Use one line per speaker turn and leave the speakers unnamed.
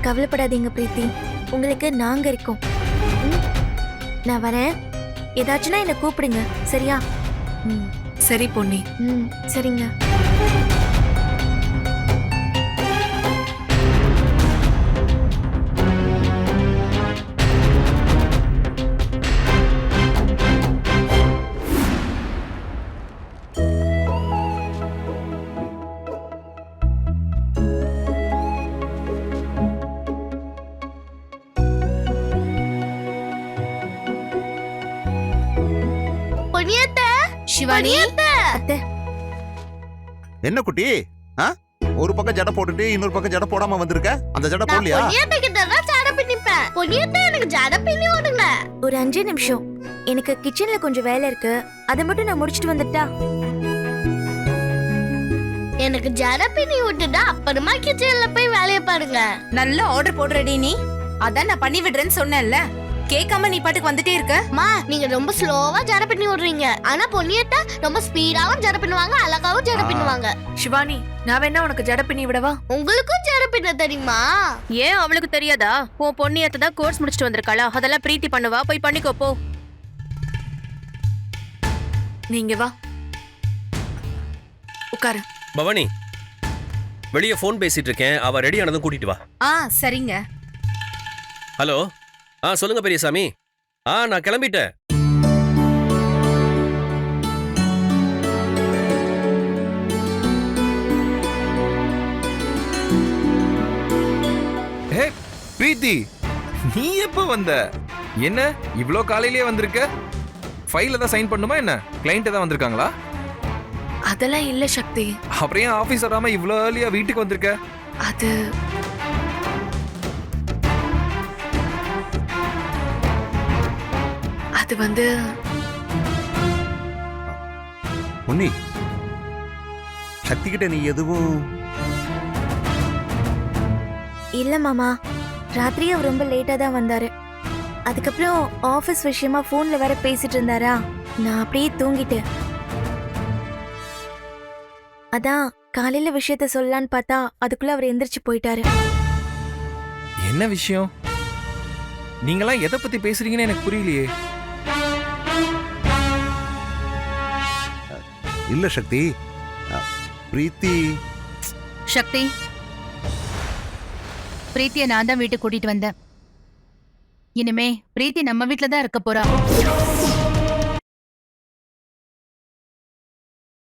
கவலைப்படாதீங்க பிரீத்தி, உங்களுக்கு நாங்க இருக்கோம். ம், நான் வரேன். ஏதாச்சுன்னா என்ன கூப்பிடுங்க, சரியா?
ம், சரி பொன்னி.
ம், சரிங்க.
சிவானி,
அத்தை,
என்ன குட்டி? ஒரு பக்கம் ஜடை போட்டுட்டு இன்னொரு பக்கம் ஜடை போடாம வந்திருக்க. அந்த ஜடை போடலையா?
ஒரு 5 நிமிஷம். எனக்கு கிச்சன்ல கொஞ்சம் வேலை இருக்கு, அதை மட்டும் நான் முடிச்சிட்டு வந்துட்டா.
எனக்கு ஜடை பின்னி விட்டுட்டா அப்புறமா கிச்சன்ல போய் வேலைய பாருங்க.
நல்ல ஆர்டர் போடுறடி நீ. அதான் நான் பண்ணி விடுறேன்னு சொன்னேன்ல. கேட்காம நீ பாட்டுக்கு வந்துட்டே இருக்க.
மா, நீங்க ரொம்ப ஸ்லோவா ஜடை பின்னி விடுறீங்க. ஆனா பொன்னியத்தை ரொம்ப ஸ்பீடாவும் ஜடை பின்னுவாங்க, அழகாவும் ஜடை பின்னுவாங்க.
சிவானி, நான் வேணா உனக்கு ஜடை பின்னி விடவா?
உங்களுக்கும் ஜடை பின்ன தெரியுமா?
ஏன் அவளுக்கு தெரியாதா? உன் பொண்ணியத்தை தான் கோர்ஸ் முடிச்சிட்டு வந்திருக்காளா, அதெல்லாம் பிரீத்தி பண்ணுவா. போய் பண்ணிக்கோ போ.
நீங்க வா, உட்காரு.
பவானி, வெளியே ஃபோன் பேசிட்டு இருக்கேன். அவ ரெடி ஆனதும் கூட்டிட்டு வா.
சரிங்க.
ஹலோ, சொல்லுங்க பெரியசாமி. நான் கிளம்பிட்டேன்.
பிரீத்தி, நீ எப்ப வந்த? என்ன இவ்ளோ காலையிலேயே வந்திருக்க? ஃபைல தான் சைன் பண்ணுமா என்ன? கிளையண்ட் தான் வந்திருக்காங்களா?
அதெல்லாம் இல்ல சக்தி.
அப்புறம் ஏன் ஆபீஸ் வராம இவ்ளோ ஏர்லியா வீட்டுக்கு வந்திருக்க?
அது வந்து
பொன்னி, சக்தி கிட்ட நீ எதுவும்?
இல்ல மாமா, ராத்திரி அவர் ரொம்ப லேட்டா தான் வந்தாரு. அதுக்கப்புறம் ஆபீஸ் விஷயமா போன்ல வேற பேசிட்டு இருந்தாரா, நான் அப்படியே தூங்கிட்டேன். அதான் காலையில விஷயத்த சொல்லலான்னு பார்த்தா அதுக்குள்ள அவர் எந்திரிச்சு போயிட்டாரு.
என்ன விஷயம்? நீங்களாம் எதை பத்தி பேசுறீங்கன்னு எனக்கு புரியலையே.
இல்ல சக்தி, பிரீத்தி.
சக்தி, பிரீத்தியை நான் தான் வீட்டுக்கு கூட்டிட்டு வந்தேன். இனிமே பிரீத்தி நம்ம வீட்டுல தான் இருக்க போறா.